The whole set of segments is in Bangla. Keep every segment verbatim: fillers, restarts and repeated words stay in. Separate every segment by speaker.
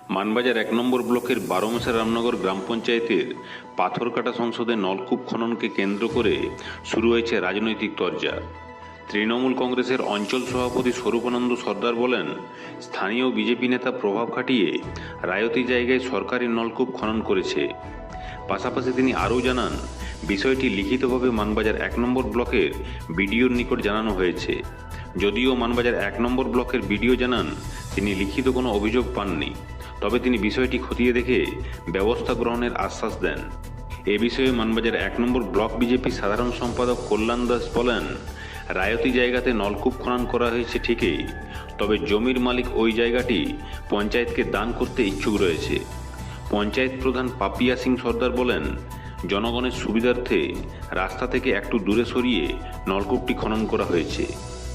Speaker 1: মানবাজার এক নম্বর ব্লকের বারোমাসা রামনগর গ্রাম পঞ্চায়েতের পাথরকাটা সংসদে নলকূপ খননকে কেন্দ্র করে শুরু হয়েছে রাজনৈতিক তরজা। তৃণমূল কংগ্রেসের অঞ্চল সভাপতি স্বরূপানন্দ সর্দার বলেন, স্থানীয় বিজেপি নেতা প্রভাব খাটিয়ে রায়তি জায়গায় সরকারি নলকূপ খনন করেছে। পাশাপাশি তিনি আরও জানান, বিষয়টি লিখিতভাবে মানবাজার এক নম্বর ব্লকের বিডিওর নিকট জানানো হয়েছে। যদিও মানবাজার এক নম্বর ব্লকের বিডিও জানান তিনি লিখিত কোনো অভিযোগ পাননি, তবে তিনি বিষয়টি খতিয়ে দেখে ব্যবস্থা গ্রহণের আশ্বাস দেন। এ বিষয়ে মানবাজার এক নম্বর ব্লক বিজেপি সাধারণ সম্পাদক কল্যাণ দাস বলেন, রায়তি জায়গাতে নলকূপ খনন করা হয়েছে ঠিকই, তবে জমির মালিক ওই জায়গাটি পঞ্চায়েতকে দান করতে ইচ্ছুক রয়েছে। পঞ্চায়েত প্রধান পাপিয়া সিং সর্দার বলেন, জনগণের সুবিধার্থে রাস্তা থেকে একটু দূরে সরিয়ে নলকূপটি খনন করা হয়েছে।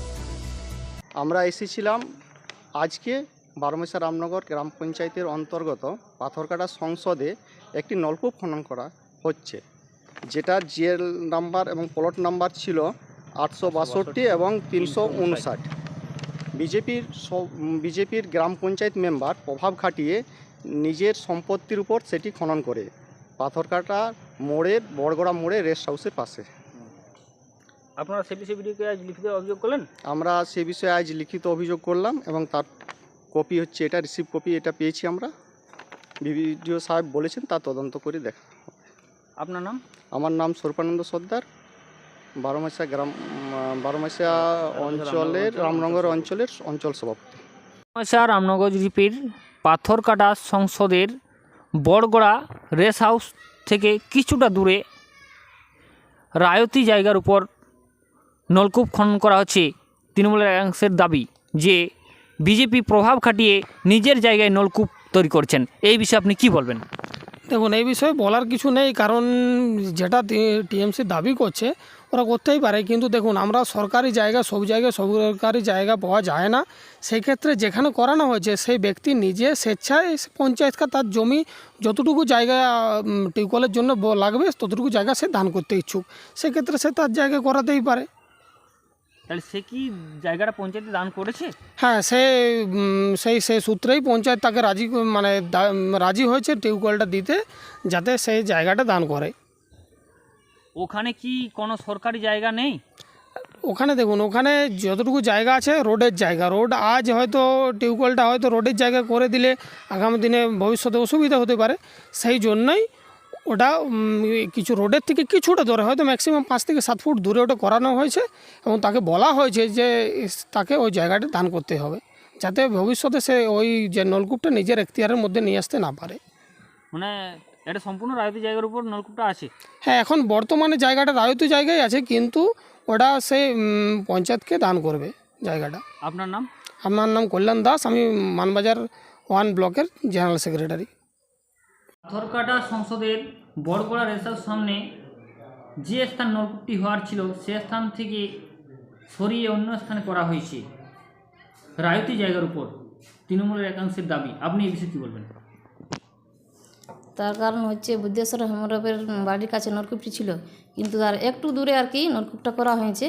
Speaker 2: আমরা এসেছিলাম আজকে বারোমাসা রামনগর গ্রাম পঞ্চায়েতের অন্তর্গত পাথরকাটা সংসদে একটি নলকূপ খনন করা হচ্ছে, যেটা জিএল নাম্বার এবং প্লট নাম্বার ছিল আটশো বাষট্টি এবং তিনশো উনষাট। বিজেপির বিজেপির গ্রাম পঞ্চায়েত মেম্বার প্রভাব খাটিয়ে নিজের সম্পত্তির উপর সেটি খনন করে পাথরকাটা মোড়ের বড়গড়া মোড়ে রেস্ট হাউসের পাশে।
Speaker 3: আপনারা সে বিষয়ে ভিডিওকে আজ লিখিত অভিযোগ করলেন?
Speaker 2: আমরা সে বিষয়ে আজ লিখিত অভিযোগ করলাম এবং তার কপি হচ্ছে এটা, রিসিভ কপি এটা পেয়েছি আমরা। বিডিও সাহেব বলেছেন তা তদন্ত করে দেখা।
Speaker 3: আপনার নাম?
Speaker 2: আমার নাম স্বরূপানন্দ সর্দার, বারোমাসা গ্রাম বারোমাসা অঞ্চলের রামনগর অঞ্চলের অঞ্চল সভাপতি।
Speaker 3: বারোমাসা রামনগর জিপির পাথরকাটা সংসদের বড়গড়া রেস্ট হাউস থেকে কিছুটা দূরে রায়তি জায়গার উপর নলকূপ খনন করা হচ্ছে। তৃণমূলের একাংশের দাবি যে বিজেপি প্রভাব খাটিয়ে নিজের জায়গায় নলকূপ তৈরি করছেন। এই বিষয়ে আপনি কি বলবেন?
Speaker 4: দেখুন, এই বিষয়ে বলার কিছু নেই, কারণ যেটা টিএমসি দাবি করছে ওরা করতেই পারে, কিন্তু দেখুন আমরা সরকারি জায়গা সব জায়গায় সরকারি জায়গা পাওয়া যায় না। সেই ক্ষেত্রে যেখানে করানো হয়েছে সেই ব্যক্তি নিজে স্বেচ্ছায় পঞ্চায়েতকে তার জমি যতটুকু জায়গা টিউবওয়েলের জন্য লাগবে ততটুকু জায়গা সে দান করতে ইচ্ছুক, সেক্ষেত্রে সে তার জায়গা করাতেই পারে।
Speaker 3: তাহলে সে কি জায়গাটা পঞ্চায়েতে দান করেছে?
Speaker 4: হ্যাঁ, সে সেই সেই সূত্রেই পঞ্চায়েত তাকে রাজি মানে রাজি হয়েছে টিউবওয়েলটা দিতে, যাতে সেই জায়গাটা দান করে।
Speaker 3: ওখানে কি কোনো সরকারি জায়গা নেই?
Speaker 4: ওখানে দেখুন, ওখানে যতটুকু জায়গা আছে রোডের জায়গা, রোড আজ হয়তো টিউবওয়েলটা হয়তো রোডের জায়গা করে দিলে আগামী দিনে ভবিষ্যতে অসুবিধা হতে পারে, সেই জন্যই ওটা কিছু রোডের থেকে কিছুটা দূরে হয়তো ম্যাক্সিমাম পাঁচ থেকে সাত ফুট দূরে ওটা করানো হয়েছে এবং তাকে বলা হয়েছে যে তাকে ওই জায়গাটা দান করতে হবে, যাতে ভবিষ্যতে সে ওই যে নলকূপটা নিজের এখতিয়ারের মধ্যে নিয়ে আসতে না পারে।
Speaker 3: মানে এটা সম্পূর্ণ রায়তি জায়গার উপর নলকূপটা আছে?
Speaker 4: হ্যাঁ, এখন বর্তমানে জায়গাটা রায়তি জায়গায় আছে, কিন্তু ওটা সে পঞ্চায়েতকে দান করবে জায়গাটা।
Speaker 3: আপনার নাম?
Speaker 4: আমার নাম কল্যাণ দাস, আমি মানবাজার ওয়ান ব্লকের জেনারেল সেক্রেটারি।
Speaker 3: পাথরকাটা সংসদের বড়গড়া রেসার সামনে যে স্থান নলকূপটি হওয়ার ছিল সে স্থান থেকে সরিয়ে অন্য স্থানে করা হয়েছে রায়তি জায়গার উপর, তৃণমূলের একাংশের দাবি। আপনি এই বিষয়ে কী বলবেন?
Speaker 5: তার কারণ হচ্ছে বুদ্ধেশ্বর হেমরবের বাড়ির কাছে নলকূপটি ছিল, কিন্তু তার একটু দূরে আর কি নলকূপটা করা হয়েছে।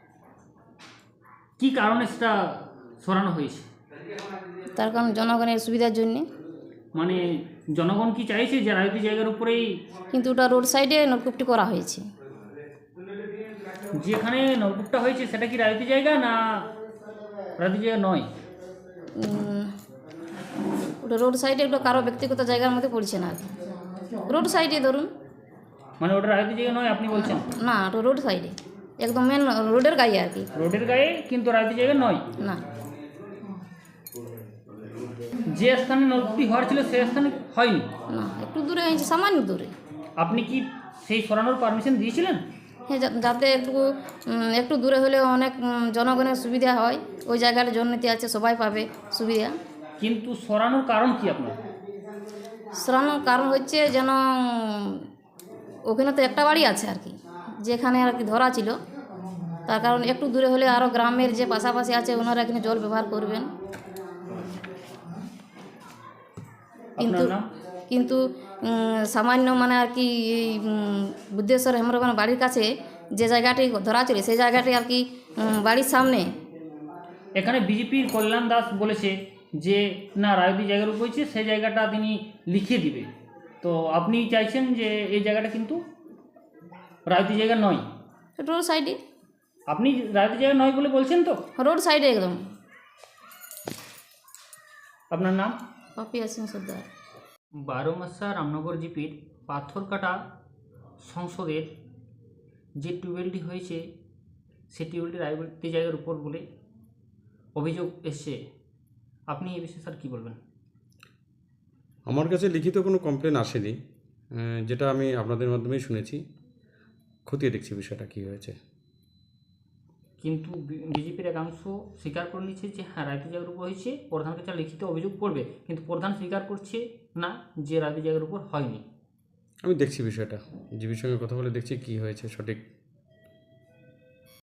Speaker 3: কি কারণে সেটা সরানো হয়েছে?
Speaker 5: তার কারণ জনগণের সুবিধার জন্যে।
Speaker 3: মানে জনগণ কি চাইছে যে রায়তি জায়গার উপরেই? কিন্তু
Speaker 5: ওটা রোড সাইডে নলকূপটি করা হয়েছে।
Speaker 3: যেখানে নলকূপটা হয়েছে সেটা কি রায়তি জায়গা না রায়তি জায়গা নয়?
Speaker 5: ওটা রোড সাইডে, ওটা কারো ব্যক্তিগত জায়গার মধ্যে পড়ছে না আর কি, রোড সাইডে ধরুন।
Speaker 3: মানে ওটা রায়তি জায়গা নয় আপনি বলছেন?
Speaker 5: না, ওটা রোড সাইডে, একদম মেন রোডের গায়ে আর কি।
Speaker 3: রোডের গায়ে, কিন্তু রায়তি জায়গা নয়?
Speaker 5: না।
Speaker 3: যে স্থানে নলকূপটি হওয়ার ছিল সে স্থানে হয়নি?
Speaker 5: না, একটু দূরে হয়েছে, সামান্য দূরে।
Speaker 3: আপনি কি সেই সরানোর পারমিশন দিয়েছিলেন?
Speaker 5: হ্যাঁ, যাতে একটু একটু দূরে হলে অনেক জনগণের সুবিধা হয়, ওই জায়গার জন্যতে আছে, সবাই পাবে সুবিধা।
Speaker 3: কিন্তু সরানোর কারণ কি আপনার?
Speaker 5: সরানোর কারণ হচ্ছে যেন ওখানে তো একটা বাড়ি আছে আর কি, যেখানে আর কি ধরা ছিল, তার কারণ একটু দূরে হলে আরও গ্রামের যে পাশাপাশি আছে ওনারা এখানে জল ব্যবহার করবেন। কিন্তু কিন্তু সামান্য মানে আর কি বুদ্ধেশ্বর হেমরবের বাড়ির কাছে যে জায়গাটি ধরা ছিল সেই জায়গাটি আর কি বাড়ির সামনে।
Speaker 3: এখানে বিজেপির কল্যাণ দাস বলেছে যে না রায়তি জায়গার উপর হয়েছে সেই জায়গাটা তিনি লিখে দিবে। তো আপনি চাইছেন যে এই জায়গাটা কিন্তু রায়তি জায়গা নয়,
Speaker 5: রোড সাইডে,
Speaker 3: আপনি রায়তি জায়গা নয় বলে বলছেন তো?
Speaker 5: রোড সাইডে একদম।
Speaker 3: আপনার নাম?
Speaker 5: পাপিয়া সিং সর্দার।
Speaker 3: বারোমাসা রামনগর জিপির পাথরকাটা সংসদের যে টিউবওয়েলটি হয়েছে সেই টিউবওয়েলটি রায়তি জায়গার উপর বলে অভিযোগ এসছে। আপনি এই বিষয়ে স্যার কী বলবেন?
Speaker 6: আমার কাছে লিখিত কোনো কমপ্লেন আসেনি, আহ, যেটা আমি আপনাদের মাধ্যমেই শুনেছি। খতিয়ে দেখছি বিষয়টা কী হয়েছে।
Speaker 3: কিন্তু বিজেপির একাংশ স্বীকার করে নিচ্ছে যে হ্যাঁ রায়তি জায়গার উপর হয়েছে, প্রধান কাছে লিখিত অভিযোগ করবে, কিন্তু প্রধান স্বীকার করছে না যে রায়তি জায়গার উপর হয়নি।
Speaker 6: আমি দেখছি বিষয়টা, জিবির সঙ্গে কথা বলে দেখছি কী হয়েছে সঠিক